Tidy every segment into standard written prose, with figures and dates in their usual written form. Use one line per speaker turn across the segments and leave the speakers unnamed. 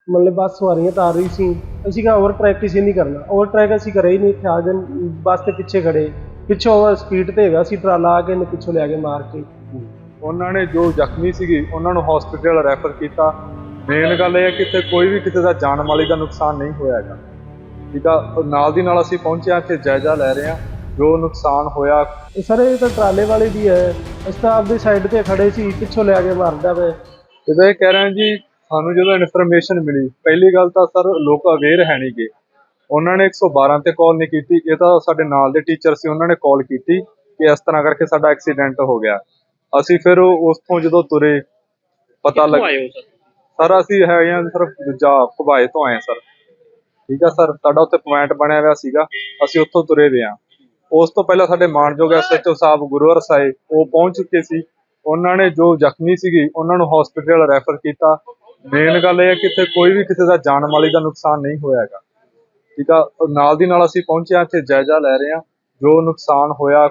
मतलब बस सवारियां तार रही सी। ਅਸੀਂ ਕਹਾ ਓਵਰਟ੍ਰੈਕ ਕਿਸੇ ਨਹੀਂ ਕਰਨਾ, ਓਵਰਟ੍ਰੈਕ ਅਸੀਂ ਕਰਿਆ ਹੀ ਨਹੀਂ। ਇੱਥੇ ਆ ਗਏ ਬੱਸ ਦੇ ਪਿੱਛੇ ਖੜੇ, ਪਿੱਛੋਂ ਸਪੀਡ ਤੇ ਹੈਗਾ ਸੀ ਟਰਾਲਾ, ਆ ਕੇ ਇਹਨੇ ਪਿੱਛੋਂ ਲਿਆ ਕੇ ਮਾਰ ਕੇ।
ਉਹਨਾਂ ਨੇ ਜੋ ਜ਼ਖਮੀ ਸੀਗੇ ਉਹਨਾਂ ਨੂੰ ਹਸਪੀਟਲ ਰੈਫਰ ਕੀਤਾ। ਮੇਨ ਗੱਲ ਇਹ ਹੈ ਕਿ ਇੱਥੇ ਕੋਈ ਵੀ ਕਿਸੇ ਦਾ ਜਾਨ ਮਾਲੀ ਦਾ ਨੁਕਸਾਨ ਨਹੀਂ ਹੋਇਆ ਹੈਗਾ, ਠੀਕ ਆ। ਨਾਲ ਦੀ ਨਾਲ ਅਸੀਂ ਪਹੁੰਚੇ ਹਾਂ, ਇੱਥੇ ਜਾਇਜ਼ਾ ਲੈ ਰਹੇ ਹਾਂ ਜੋ ਨੁਕਸਾਨ ਹੋਇਆ।
ਸਰ ਇਹ ਤਾਂ ਟਰਾਲੇ ਵਾਲੇ ਦੀ ਹੈ, ਅਸੀਂ ਤਾਂ ਆਪਦੀ ਸਾਈਡ ਤੇ ਖੜੇ ਸੀ, ਪਿੱਛੋਂ ਲਿਆ ਕੇ ਮਾਰਦਾ ਵੇ।
ਇਹਦਾ ਇਹ ਕਹਿ ਰਹੇ ਹਾਂ ਜੀ, ਸਾਨੂੰ ਜਦੋਂ ਇਨਫੋਰਮੇਸ਼ਨ ਮਿਲੀ, ਪਹਿਲੀ ਗੱਲ ਤਾਂ ਸਰ ਲੋਕ ਅਵੇਅਰ ਹੈ ਨਹੀਂ ਗੇ। ਉਹਨਾਂ ਨੇ 112 ਤੇ ਕਾਲ ਨਹੀਂ ਕੀਤੀ। ਇਹ ਤਾਂ ਸਾਡੇ ਨਾਲ ਦੇ ਟੀਚਰ ਸੀ, ਉਹਨਾਂ ਨੇ ਕਾਲ ਕੀਤੀ ਕਿ ਇਸ ਤਰ੍ਹਾਂ ਕਰਕੇ ਸਾਡਾ ਐਕਸੀਡੈਂਟ ਹੋ ਗਿਆ। ਅਸੀਂ ਫਿਰ ਉੱਥੋਂ ਜਦੋਂ ਤੁਰੇ ਪਤਾ ਲੱਗ ਸਰ ਅਸੀਂ ਹੈਗੇ ਹਾਂ ਸਰ ਦੂਜਾ ਭਵਾਏ ਤੋਂ ਆਏ ਸਰ, ਠੀਕ ਆ ਸਰ। ਸਾਡਾ ਉੱਥੇ ਪੁਆਇੰਟ ਬਣਿਆ ਹੋਇਆ ਸੀਗਾ, ਅਸੀਂ ਉੱਥੋਂ ਤੁਰੇ ਵੇ ਹਾਂ। ਉਸ ਤੋਂ ਪਹਿਲਾਂ ਸਾਡੇ ਮਾਨਯੋਗ SHO ਸਾਹਿਬ ਗੁਰੂਵਰ ਸਾਹਿਬ ਉਹ ਪਹੁੰਚ ਚੁੱਕੇ ਸੀ। ਉਹਨਾਂ ਨੇ ਜੋ ਜ਼ਖਮੀ ਸੀਗੇ ਉਹਨਾਂ ਨੂੰ ਹਸਪੀਟਲ ਰੈਫਰ ਕੀਤਾ। ਮੇਨ ਗੱਲ ਇਹ ਹੈ ਕਿ ਇੱਥੇ ਕੋਈ ਵੀ ਕਿਸੇ ਦਾ ਜਾਨ ਮਾਲੀ ਦਾ ਨੁਕਸਾਨ ਨਹੀਂ ਹੋਇਆ ਹੈਗਾ, ਠੀਕ ਆ। ਨਾਲ ਦੀ ਨਾਲ ਅਸੀਂ ਪਹੁੰਚੇ ਹਾਂ, ਇੱਥੇ ਜਾਇਜ਼ਾ ਲੈ ਰਹੇ ਹਾਂ ਜੋ ਨੁਕਸਾਨ ਹੋਇਆ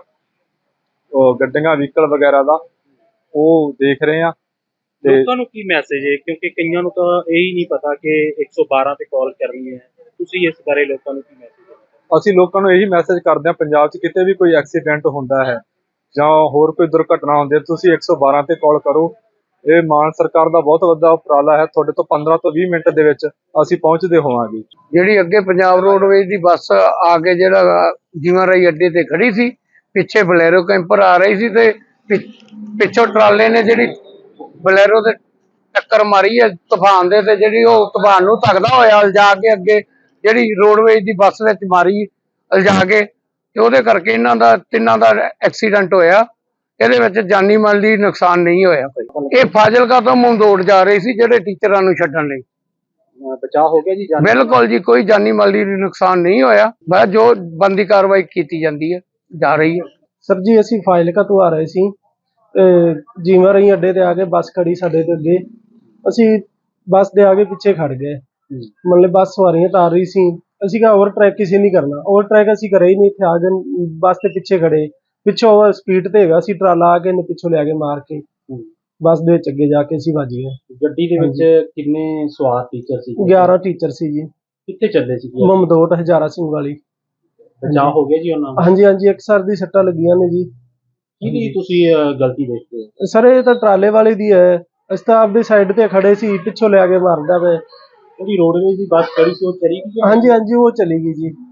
ਗੱਡੀਆਂ ਵਹੀਕਲ ਵਗੈਰਾ ਦਾ, ਉਹ ਦੇਖ ਰਹੇ ਹਾਂ।
ਲੋਕਾਂ ਨੂੰ ਕੀ ਮੈਸੇਜ ਹੈ, ਕਿਉਂਕਿ ਕਈਆਂ ਨੂੰ ਤਾਂ ਇਹ ਹੀ ਨਹੀਂ ਪਤਾ ਕਿ 112 ਤੇ ਕਾਲ ਕਰਨੀ ਹੈ। ਤੁਸੀਂ ਇਸ ਬਾਰੇ ਲੋਕਾਂ ਨੂੰ ਕੀ ਮੈਸੇਜ ਹੈ?
ਅਸੀਂ ਲੋਕਾਂ ਨੂੰ ਇਹੀ ਮੈਸੇਜ ਕਰਦੇ ਹਾਂ, ਪੰਜਾਬ 'ਚ ਕਿਤੇ ਵੀ ਕੋਈ ਐਕਸੀਡੈਂਟ ਹੁੰਦਾ ਹੈ ਜਾਂ ਹੋਰ ਕੋਈ ਦੁਰਘਟਨਾ ਹੁੰਦੀ ਹੈ, ਤੁਸੀਂ 112 ਤੇ ਕਾਲ ਕਰੋ। ਇਹ ਮਾਨ ਸਰਕਾਰ ਦਾ ਬਹੁਤ ਵੱਡਾ ਉਪਰਾਲਾ ਹੈ। ਤੁਹਾਡੇ ਤੋਂ 15 ਤੋਂ 20 ਮਿੰਟ ਦੇ ਵਿੱਚ ਅਸੀਂ ਪਹੁੰਚਦੇ ਹੋਵਾਂਗੇ।
ਜਿਹੜੀ ਅੱਗੇ ਪੰਜਾਬ ਰੋਡਵੇਜ਼ ਦੀ ਬੱਸ ਆ ਕੇ ਜਿਹੜਾ ਜੀਵਾਂ ਰਾਈ ਅੱਡੇ ਤੇ ਖੜੀ ਸੀ, ਪਿੱਛੇ ਬਲੈਰੋ ਕੈਂਪਰ ਆ ਰਹੀ ਸੀ ਤੇ ਪਿੱਛੋਂ ਟਰਾਲੇ ਨੇ ਜਿਹੜੀ ਬਲੈਰੋ ਦੇ ਟੱਕਰ ਮਾਰੀ ਹੈ ਤੂਫਾਨ ਦੇ, ਤੇ ਜਿਹੜੀ ਉਹ ਤੂਫਾਨ ਨੂੰ ਧੱਕਦਾ ਹੋਇਆ ਲਿਜਾ ਕੇ ਅੱਗੇ ਜਿਹੜੀ ਰੋਡਵੇਜ਼ ਦੀ ਬੱਸ ਵਿੱਚ ਮਾਰੀ ਲਿਜਾ ਕੇ, ਤੇ ਉਹਦੇ ਕਰਕੇ ਇਹਨਾਂ ਦਾ ਤਿੰਨਾਂ ਦਾ ਐਕਸੀਡੈਂਟ ਹੋਇਆ। ਇਹਦੇ ਵਿੱਚ ਜਾਨੀ ਮਾਲੀ ਦੀ ਨੁਕਸਾਨ ਨਹੀਂ ਹੋਇਆ ਕੋਈ। ਇਹ ਫਾਜ਼ਿਲਕਾ ਤੋਂ ਮੰਦੋੜ ਜਾ ਰਹੇ ਸੀ ਜਿਹੜੇ ਟੀਚਰਾਂ ਨੂੰ ਛੱਡਣ ਲਈ।
ਬਚਾਅ ਹੋ ਗਿਆ ਜੀ?
ਬਿਲਕੁਲ ਜੀ, ਕੋਈ ਜਾਨੀ ਮਾਲੀ ਦੀ ਨੁਕਸਾਨ ਨਹੀਂ ਹੋਇਆ। ਬਸ ਜੋ ਬਣਦੀ ਕਾਰਵਾਈ ਕੀਤੀ ਜਾਂਦੀ ਹੈ ਜਾ ਰਹੀ ਹੈ।
ਸਰ ਜੀ ਅਸੀਂ ਫਾਜ਼ਿਲਕਾ ਤੋਂ ਆ ਰਹੇ ਸੀ, ਜੀਵਾਂ ਰਾਈ ਅੱਡੇ ਤੇ ਆ ਕੇ ਬੱਸ ਖੜੀ ਸਾਡੇ ਤੇ ਅੱਗੇ, ਅਸੀਂ ਬੱਸ ਦੇ ਆਗੇ ਪਿੱਛੇ ਖੜ ਗਏ। ਮਤਲਬ ਬੱਸ ਸਵਾਰੀਆਂ ਤਾਰ ਰਹੀ ਸੀ। ਅਸੀਂ ਕਹਾ ਓਵਰਟ੍ਰੈਕ ਕਿਸੇ ਨਹੀਂ ਕਰਨਾ, ਓਵਰਟ੍ਰੈਕ ਅਸੀਂ ਕਰਿਆ ਹੀ ਨਹੀਂ। ਇੱਥੇ ਆ ਗਏ ਬੱਸ ਦੇ ਪਿੱਛੇ ਖੜੇ, ਪਿੱਛੋਂ ਸਪੀਡ ਤੇ ਹੈਗਾ ਸੀ ਟਰਾਲਾ, ਆ ਕੇ ਇਹਨੇ ਪਿੱਛੋਂ ਲਿਆ ਕੇ ਮਾਰ ਕੇ ਬੱਸ ਦੇ ਵਿੱਚ ਅੱਗੇ ਜਾ ਕੇ ਅਸੀਂ ਵੱਜ ਗਏ।
ਗੱਡੀ ਦੇ ਵਿੱਚ ਕਿੰਨੇ ਸਵਾਰ ਟੀਚਰ ਸੀ?
11 ਟੀਚਰ ਸੀ ਜੀ।
ਕਿੱਥੇ ਚੱਲੇ ਸੀ?
ਮਮਦੋਟ ਹਜ਼ਾਰਾ ਸਿੰਘ ਵਾਲੀ।
ਬਚਾਅ ਹੋ ਗਿਆ ਜੀ ਉਹਨਾਂ ਦਾ?
ਹਾਂਜੀ ਹਾਂਜੀ, ਇੱਕ ਸਰ ਦੀ ਸੱਟਾਂ ਲੱਗੀਆਂ ਨੇ ਜੀ।
ਕਿਹਦੀ ਤੁਸੀਂ ਗਲਤੀ ਦੇਖਦੇ ਹੋ?
ਸਰ ਇਹ ਤਾਂ ਟਰਾਲੇ ਵਾਲੇ ਦੀ ਹੈ, ਅਸੀਂ ਤਾਂ ਆਪਦੀ ਸਾਈਡ ਤੇ ਖੜੇ ਸੀ, ਪਿੱਛੋਂ ਲਿਆ ਕੇ ਮਾਰਦਾ ਵੇ।
ਜਿਹੜੀ ਰੋਡਵੇਜ਼ ਦੀ ਬੱਸ ਖੜੀ ਸੀ ਉਹ ਚਲੀ ਗਈ?
ਹਾਂਜੀ ਹਾਂਜੀ, ਉਹ ਚਲੀ ਗਈ ਜੀ।